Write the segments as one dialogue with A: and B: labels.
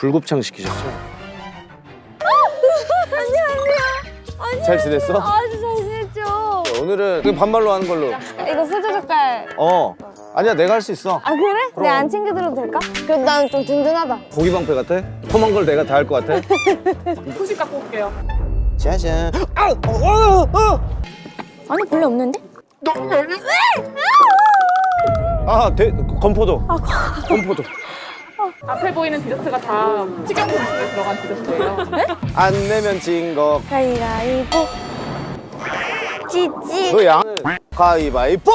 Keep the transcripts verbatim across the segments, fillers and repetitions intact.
A: 불곱창 시키셨죠?
B: 안녕하세요. 아니,
A: 잘 지냈어?
B: 아주 잘 지냈죠.
A: 오늘은 그 반말로 하는 걸로.
B: 이거 수저 젓갈.
A: 어. 아니야, 내가 할 수 있어.
B: 아 그래?
A: 그럼.
B: 내가 안 챙겨드려도 될까? 그래도 나는 좀 든든하다.
A: 고기 방패 같아? 험한 걸 내가 다 할 것 같아?
C: 후식 갖고 올게요.
A: 짜잔. 아! 어, 어, 어!
B: 아니 별로 없는데?
A: 아, 대, 건포도. 건포도.
C: 앞에 보이는 디저트가 다 식용품 속에 들어간 디저트예요.
A: 안 내면 진 거.
B: 가위가위보. 찌찌.
A: 그 양은 가위바위보!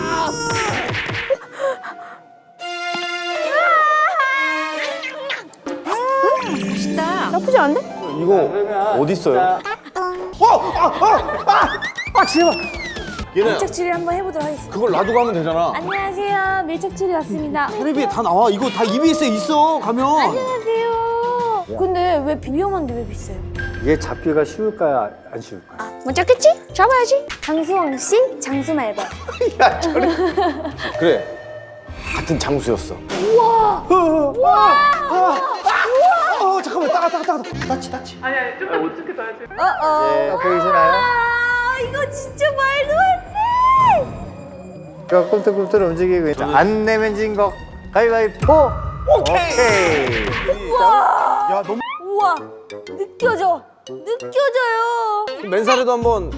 B: 맛있다. 나쁘지 않은데?
A: 이거 어디 있어요? 어! 아! 아! 아! 아, 제발! 얘는
B: 밀착추리 한번 해보도록 하겠습니다.
A: 그걸 놔두고 하면 되잖아.
B: 안녕하세요. 밀착추리 왔습니다.
A: 텔레비에 다 나와. 이거 다 이비에스에 있어, 가면.
B: 안녕하세요. 근데 왜 위험한데 왜 비싸요?
D: 이게 잡기가 쉬울까요? 안 쉬울까요?
B: 못 잡겠지? 잡아야지. 장수왕 씨, 장수 말벌.
A: 야, 저리. 그래. 같은 장수였어.
B: 우와. 우와.
A: 어, 잠깐만. 따가, 따가, 따가. 따치, 따치.
C: 아니 아니 좀더 묵직해져야지.
B: 어어.
D: 예, 보이시나요?
B: 아, 이거 진짜 말도 안 돼.
D: 그 꿈틀꿈틀 움직이고 있다. 안 내면 진 거 가위바위보! 오케이!
B: 우와.
A: 야, 너무.
B: 우와. 느껴져. 느껴져요.
A: 맨살에도 한번.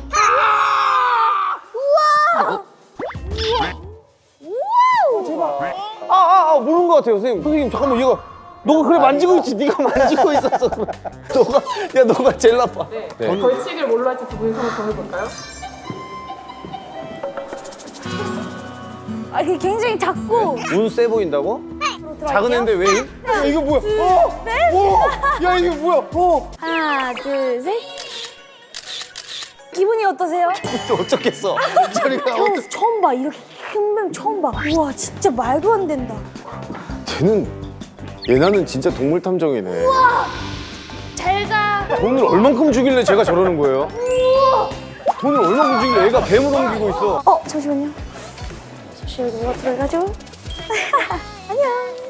B: 우와. 우와. 우와. 대박.
A: 아, 아, 아, 모르는 것 같아요, 선생님. 선생님, 잠깐만, 얘가. 너가 그래 만지고 있지. 네가 만지고 있었어. 너가, 야, 너가 제일 나빠.
C: 네.
A: 네.
C: 벌칙을 뭘로 할지 두 분이 서로 정해볼까요?
B: 아, 이게 굉장히 작고.
A: 운 세 보인다고?
B: 들어갈게요.
A: 작은 애인데 왜? 야, 이거 뭐야? 어!
B: 셋.
A: 어! 야, 이게 뭐야? 어!
B: 하나, 둘, 셋. 기분이 어떠세요?
A: 또 어쩌겠어. 저리가.
B: 처음, 처음 봐. 이렇게 큰 뱀 처음 봐. 우와, 진짜 말도 안 된다.
A: 쟤는 얘나는 진짜 동물 탐정이네.
B: 잘 가.
A: 돈을 얼만큼 주길래 제가 저러는 거예요?
B: 우와.
A: 돈을 얼만큼 주길래 얘가 뱀을 옮기고 있어?
B: 어, 잠시만요. 잠시 여기 누가 들어가죠? 안녕.